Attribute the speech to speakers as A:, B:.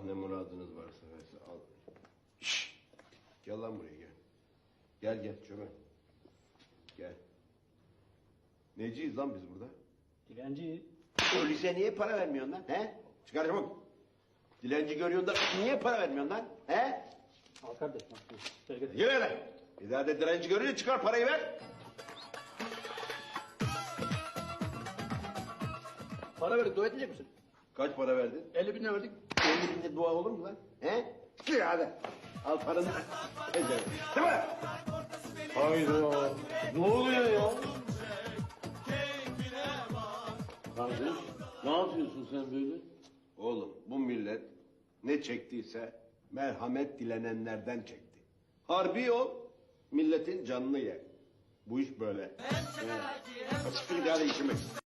A: ne muradınız varsa versin. Al. Şşş! Gel lan buraya gel. Gel gel çömel. Gel. Neciyiz lan biz burada?
B: Dilenci.
A: Öyleyse niye para vermiyorsun lan? He? Çıkar çabuk. Dilenci görüyorsun da niye para vermiyorsun lan? He?
B: Al kardeş. Gel gel.
A: Yürü lan. Bir daha da dilenci görünce çıkar parayı ver.
B: Para verdik, dua edecek misin?
A: Kaç para verdin?
B: 50 bin lira verdik.
A: 50 binde dua olur mu lan? He? Çık hadi. Al paranı. Ecel. Değil mi?
C: Hayda. Ne oluyor ya? Kardeş, ne yapıyorsun sen böyle?
A: Oğlum bu millet ne çektiyse merhamet dilenenlerden çekti. Harbi o milletin canını ye. Bu iş böyle. Siktir hadi işime.